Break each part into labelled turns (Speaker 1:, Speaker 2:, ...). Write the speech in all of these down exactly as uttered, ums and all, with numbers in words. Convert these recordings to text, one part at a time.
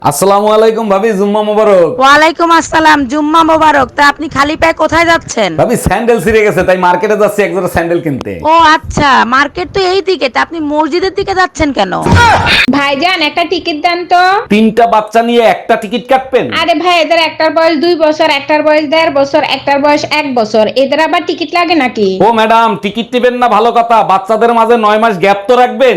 Speaker 1: আসসালামু আলাইকুম ভাবি, জুম্মা মোবারক।
Speaker 2: ওয়ালাইকুম আসসালাম, জুম্মা মোবারক। তা আপনি খালি পায়ে কোথায় যাচ্ছেন?
Speaker 1: ভাবি স্যান্ডেল ছিঁড়ে গেছে, তাই মার্কেটে যাচ্ছি এক জোড়া স্যান্ডেল কিনতে।
Speaker 2: ও আচ্ছা, মার্কেট তো এই দিকে, তা আপনি মসজিদের দিকে যাচ্ছেন কেন?
Speaker 3: ভাইজান একটা টিকিট দেন তো।
Speaker 1: তিনটা বাচ্চা নিয়ে একটা টিকিট কাটবেন?
Speaker 3: আরে ভাই, এদের একটার বয়স দুই বছর, একটার বয়স দেড় বছর, একটার বয়স এক বছর, এদের আবার টিকিট লাগে নাকি?
Speaker 1: ও ম্যাডাম, টিকিট নেবেন না ভালো কথা, বাচ্চাদের মাঝে নয় মাস গ্যাপ তো রাখবেন।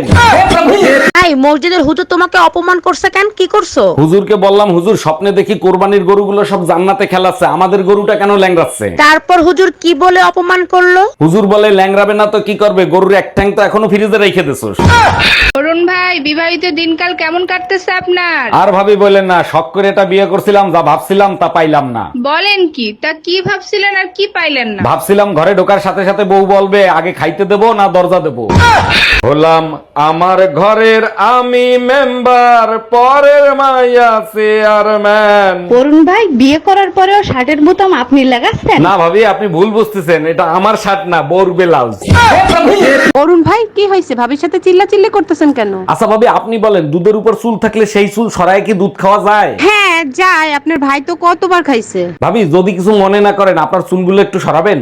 Speaker 2: এই মসজিদের হুজুর তোমাকে অপমান করছে কেন? কি করছো?
Speaker 1: হুজুরকে বললাম, হুজুর স্বপ্নে দেখি কোরবানির গরুগুলো সব জান্নাতে খেলাচ্ছে, আমাদের গরুটা কেন ল্যাংড়াচ্ছে?
Speaker 2: তারপর হুজুর কি বলে অপমান করলো?
Speaker 1: হুজুর বলে, ল্যাংড়াবে না তো কি করবে, গরুর এক ঠ্যাং তো এখনো ফ্রিজে রেখে দিছোস।
Speaker 3: অরুণ ভাই, বিবাহিত দিনকাল কেমন কাটতেছে আপনার?
Speaker 1: আর ভাবি বলেন না, শখ করে এটা বিয়ে করছিলাম, যা ভাবছিলাম তা পাইলাম না।
Speaker 3: বলেন কি? তা কি ভাবছিলেন আর কি পাইলেন না?
Speaker 1: ভাবছিলাম ঘরে ঢোকার সাথে সাথে বউ বলবে, আগে খাইতে দেবো না দরজা দেবো। হলাম আমার ঘরের আমি মেম্বার, পরের মাইয়া চেয়ারম্যান।
Speaker 4: অরুণ ভাই, বিয়ে করার পরেও শার্টের বোতাম আপনি লাগাচ্ছেন?
Speaker 1: না ভাবি, আপনি ভুল বুঝতেছেন, এটা আমার শার্ট না, বউর ব্লাউজ।
Speaker 4: অরুণ ভাই, কি হয়েছে? ভাবির সাথে চিল্লা চিল্লি করতেছেন কেন?
Speaker 1: আচ্ছা ভাবি, আপনি বলেন, দুধের উপর চুল থাকলে সেই চুল সরায় কি দুধ খাওয়া যায়?
Speaker 4: হ্যাঁ যায়, আপনার ভাই তো কতবার খাইছে।
Speaker 1: ভাবি যদি কিছু মনে না করেন, আপনার চুলগুলো একটু সরাবেন।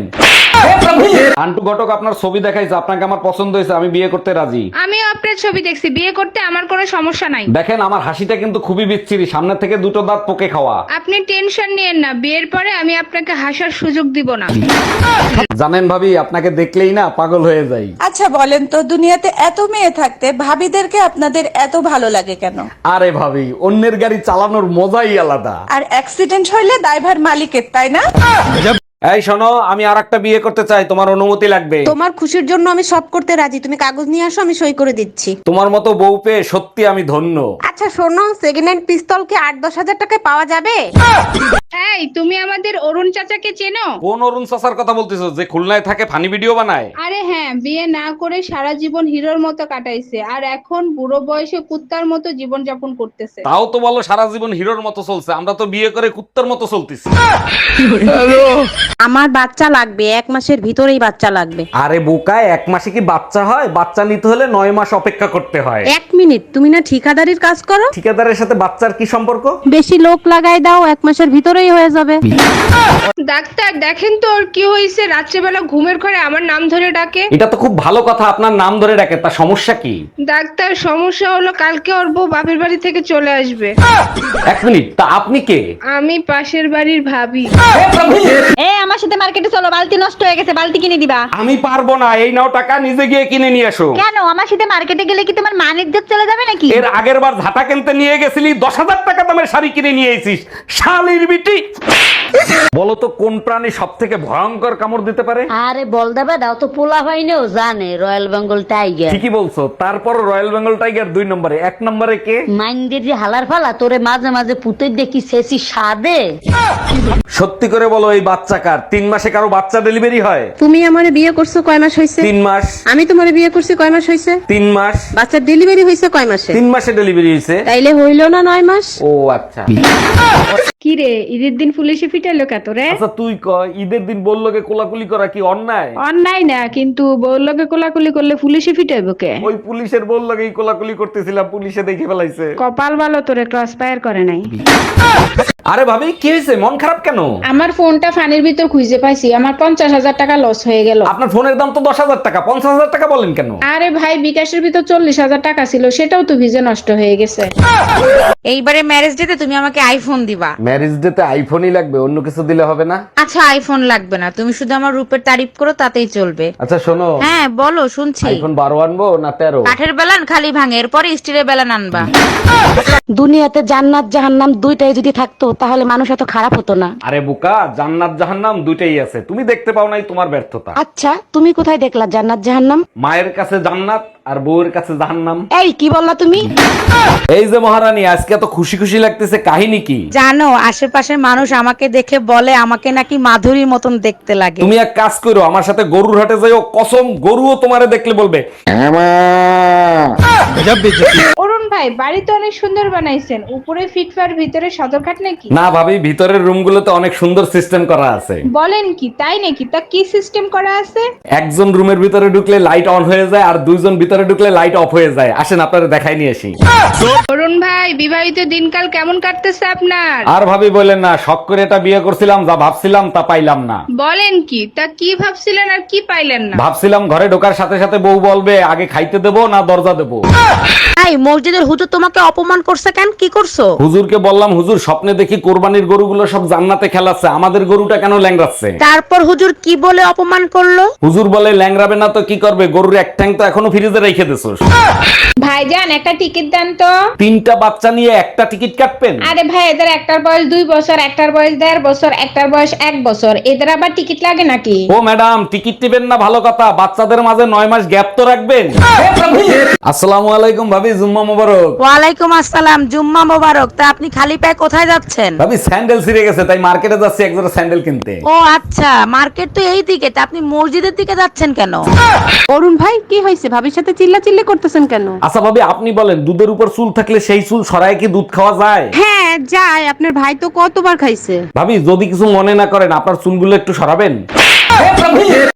Speaker 1: আন্টু ঘটক আপনার ছবি দেখাইছে, আপনাকে আমার পছন্দ হয়েছে, আমি বিয়ে করতে রাজি।
Speaker 3: আমিও আপনার ছবি দেখছি, বিয়ে করতে আমার কোনো সমস্যা নাই।
Speaker 1: দেখেন আমার হাসিটা কিন্তু খুবই বিচ্ছিরি, সামনে থেকে দুটো দাঁত পোকে খাওয়া।
Speaker 3: আপনি টেনশন নিয়েন না, বিয়ের পরে আমি আপনাকে হাসার সুযোগ দিব না।
Speaker 1: জানেন ভাবি, আপনাকে দেখলেই না পাগল হয়ে যাই।
Speaker 5: আচ্ছা বলেন তো, দুনিয়াতে এত মেয়ে থাকতে ভাবিদেরকে আপনাদের এত ভালো লাগে কেন?
Speaker 1: আরে ভাবি, অন্যের গাড়ি চালানোর মজাই আলাদা।
Speaker 5: আর অ্যাক্সিডেন্ট হইলে দায়ভার মালিকের, তাই না?
Speaker 1: এই শোনো, আমি আর একটা বিয়ে করতে চাই, তোমার অনুমতি লাগবে।
Speaker 4: তোমার খুশির জন্য আমি সব করতে রাজি, তুমি কাগজ নিয়ে আসো, আমি সই করে দিচ্ছি।
Speaker 1: তোমার মতো বউ পেয়ে সত্যি আমি ধন্য।
Speaker 4: আচ্ছা শোনো, সেকেন্ড হ্যান্ড পিস্তল কি আট দশ হাজার টাকায় পাওয়া যাবে?
Speaker 3: এই, তুমি আমাদের অরুণ চাচাকে চেনো?
Speaker 1: কোন অরুণ চাচার কথা বলতেছো, যে খুলনায় থাকে, ফানি ভিডিও বানায়?
Speaker 3: আরে হ্যাঁ, বিয়ে না করে সারা জীবন হিরোর মতো কাটাইছে, আর এখন বুড়ো বয়সে কুত্তার মতো জীবন যাপন করতেছে।
Speaker 1: তাও তো বলো সারা জীবন হিরোর মতো চলছে, আমরা তো বিয়ে করে কুত্তার মতো চলতেছি।
Speaker 4: আমার বাচ্চা লাগবে, এক মাসের ভিতরেই বাচ্চা লাগবে।
Speaker 1: আরে বোকায়, এক মাসে কি বাচ্চা হয়? বাচ্চা নিতে হলে নয় মাস অপেক্ষা করতে হয়।
Speaker 4: এক মিনিট, তুমি না ঠিকাদারির কাজ করো?
Speaker 1: ঠিকাদারের সাথে বাচ্চার কি সম্পর্ক?
Speaker 4: বেশি লোক লাগাই দাও, এক মাসের ভিতরেই হয়ে যাবে।
Speaker 3: ডাক্তার দেখেন তো ওর কি হয়েছে, রাত্রেবেলা ঘুমের ঘরে আমার নাম ধরে ডাকে।
Speaker 1: এটা তো খুব ভালো কথা, আপনার নাম ধরে ডাকে, তা সমস্যা কি?
Speaker 3: ডাক্তার, সমস্যা হলো কালকে ওর বউ বাপের বাড়ি থেকে চলে আসবে।
Speaker 1: এক মিনিট, তা আপনি কে?
Speaker 3: আমি পাশের বাড়ির ভাবি।
Speaker 4: এ আমার সাথে মার্কেটে চলো, বালতি নষ্ট হয়ে গেছে, বালতি কিনে দিবা।
Speaker 1: আমি পারবো না, এই নাও টাকা, নিজে গিয়ে কিনে নিয়ে এসো।
Speaker 4: কেন? আমার সাথে মার্কেটে গেলে কি তোমার মান ইজ্জত চলে যাবে নাকি?
Speaker 1: এর আগের বার ঝাঁটা কিনতে নিয়ে গেছিলি, দশ হাজার টাকা দামের শাড়ি কিনে নিয়ে এসিস, শালির বিটি। বলো তো, কোন প্রাণী সব থেকে ভয়ঙ্কর কামড় দিতে পারে?
Speaker 6: আরে বল দেবে দাও তো, পোলা হয়নিও জানে রয়্যাল বেঙ্গল টাইগার।
Speaker 1: ঠিকই বলছো, তারপর রয়্যাল বেঙ্গল টাইগার দুই নম্বরে, এক নম্বরে কে?
Speaker 6: মাইন্ডের যে হালার ফালা তোরে মাঝে মাঝে পুতে দেখি শেষি সাদে।
Speaker 1: সত্যি করে বলো, এই বাচ্চা কার? তিন মাসে কারো বাচ্চা ডেলিভারি হয়?
Speaker 4: তুমি আমারে বিয়ে করছো কয় মাস হয়েছে?
Speaker 1: তিন মাস।
Speaker 4: আমি তোমারে বিয়ে করছি কয় মাস হয়েছে?
Speaker 1: তিন মাস।
Speaker 4: বাচ্চার ডেলিভারি হয়েছে কয় মাসে?
Speaker 1: তিন মাসে ডেলিভারি হয়েছে।
Speaker 4: তাইলে হইলো না নয় মাস?
Speaker 1: ও আচ্ছা।
Speaker 3: কি রে, ঈদের দিন পুলিশে ফিটাইলো কে তোরে?
Speaker 1: আচ্ছা তুই ক, ঈদের দিন বললো কে কোলাকুলি করা কি অন্যায়?
Speaker 3: অন্যায় না, কিন্তু বউর লগে কোলাকুলি করলে পুলিশে ফিটাইবো কে?
Speaker 1: ওই পুলিশের বললো কে কোলাকুলি করতেছিলাম, পুলিশে দেখে ফেলাইছে।
Speaker 3: কপাল ভালো তোরে ক্রস ফায়ার করে নাই।
Speaker 1: আরে ভাবি, কি হয়েছে? মন খারাপ কেন?
Speaker 3: আমার ফোনটা ফানির ভিতর খুঁজে পাইছি, আমার পঞ্চাশ হাজার টাকা লস হয়ে গেল।
Speaker 1: আপনার ফোনের দাম তো দশ হাজার টাকা, পঞ্চাশ হাজার টাকা বলেন কেন?
Speaker 3: আরে ভাই, বিকাশের ভিতর চল্লিশ হাজার টাকা ছিল, সেটাও তো ভিজে নষ্ট হয়ে গেছে।
Speaker 2: এইবারে ম্যারেজ ডেতে তুমি আমাকে আইফোন দিবা।
Speaker 1: ম্যারেজ ডেতে আইফোনই লাগবে, অন্য কিছু দিলে হবে না?
Speaker 2: আচ্ছা আইফোন লাগবে না, তুমি শুধু আমার রূপের তারিফ করো, তাতেই চলবে।
Speaker 1: আচ্ছা শোনো,
Speaker 2: হ্যাঁ বলো, শুনছি।
Speaker 1: আইফোন বারো আনবো না তেরো?
Speaker 2: কাঠের বেলান খালি ভাঙে, এরপরে স্টিলের বেলান আনবা।
Speaker 6: দুনিয়াতে জান্নাত জাহান্নাম দুইটাই যদি থাকতো তাহলে মানুষ এত খারাপ হতো না।
Speaker 1: আরে বোকা, জান্নাত জাহান্নাম দুইটাই আছে, তুমি দেখতে পাও নাই, তোমার ব্যর্থতা।
Speaker 6: আচ্ছা তুমি কোথায় দেখলা জান্নাত জাহান্নাম?
Speaker 1: মায়ের কাছে জান্নাত আর বউয়ের কাছে জাহান্নাম।
Speaker 6: এই কি বললা তুমি?
Speaker 1: এই যে মহারানী, আজকে এত খুশি খুশি লাগতেছে, কাহিনী কি?
Speaker 2: জানো, আশেপাশের মানুষ আমাকে দেখে বলে আমাকে নাকি মাধুরীর মতন দেখতে লাগে।
Speaker 1: তুমি এক কাজ করো, আমার সাথে গরুর হাটে যাইও, কসম গরুও তোমারে দেখলে বলবে।
Speaker 3: অরুণ অরুণ ভাই বাড়ি তো অনেক সুন্দর বানাইছেন, উপরে ফিটফার ভিতরে সদরঘাট নাকি?
Speaker 1: না ভাবি, ভিতরের রুমগুলোতে অনেক সুন্দর সিস্টেম করা আছে।
Speaker 3: বলেন কি, তাই নাকি? তা কি সিস্টেম করা আছে?
Speaker 1: একজন রুমের ভিতরে ঢুকলে লাইট অন হয়ে যায় আর দুইজন ভিতরে ঢুকলে লাইট অফ হয়ে যায়। আসেন আপনারা দেখাই নিয়ে আসি।
Speaker 3: অরুণ ভাই বিবাহিত দিনকাল কেমন কাটতেছে আপনার?
Speaker 1: আর ভাবি বলেন না, শখ করে এটা বিয়ে করছিলাম, যা ভাবছিলাম তা পাইলাম না।
Speaker 3: বলেন কি, তা কি ভাবছিলেন আর কি পাইলেন না?
Speaker 1: ভাবছিলাম ঘরে ঢোকার সাথে সাথে বউ বলবে আগে খাইতে দেবো না দরজা দেবো।
Speaker 2: এই মসজিদের হুজুর তোমাকে অপমান করছে কেন? কি করছো?
Speaker 1: হুজুরকে বললাম, হুজুর স্বপ্নে দেখি কোরবানির গরুগুলো সব জান্নাতে খেলাচ্ছে, আমাদের গরুটা কেন ল্যাংড়াচ্ছে?
Speaker 2: তারপর হুজুর কি বলে অপমান করলো?
Speaker 1: হুজুর বলে ল্যাংড়াবে না তো কি করবে, গরুর এক ঠ্যাং তো এখনো ফ্রিজে রেখে দিছোস।
Speaker 3: ভাইজান একটা টিকিট দেন তো।
Speaker 1: তিনটা বাচ্চা নিয়ে একটা টিকিট কাটবেন?
Speaker 3: আরে ভাই, এদের একটার বয়স দুই বছর, একটার বয়স দেড় বছর, একটার বয়স এক বছর, এদের আবার টিকিট লাগে নাকি?
Speaker 1: ও ম্যাডাম, টিকিট টিবেন না ভালো কথা, বাচ্চাদের মাঝে নয় মাস গ্যাপ তো রাখবেন। আসসালামু আলাইকুম ভাবি, জুম্মা মোবারক।
Speaker 2: ওয়ালাইকুম আসসালাম, জুম্মা মোবারক। তা আপনি খালি পায়ে কোথায় যাচ্ছেন?
Speaker 1: ভাবি স্যান্ডেল ছিঁড়ে গেছে, তাই মার্কেটে যাচ্ছি এক জোড়া স্যান্ডেল কিনতে।
Speaker 2: ও আচ্ছা, মার্কেট তো এই দিকে, তা আপনি মসজিদের দিকে যাচ্ছেন কেন?
Speaker 4: অরুণ ভাই কি হয়েছে, ভাবির সাথে চিল্লাচিল্লি করতেছেন কেন?
Speaker 1: আচ্ছা ভাবি, আপনি বলেন, দুধের উপর চুল থাকলে সেই চুল সরায় কি দুধ খাওয়া যায়?
Speaker 4: হ্যাঁ যায়, আপনার ভাই তো কতবার খাইছে।
Speaker 1: ভাবি যদি কিছু মনে না করেন, আপনার চুলগুলো একটু সরাবেন।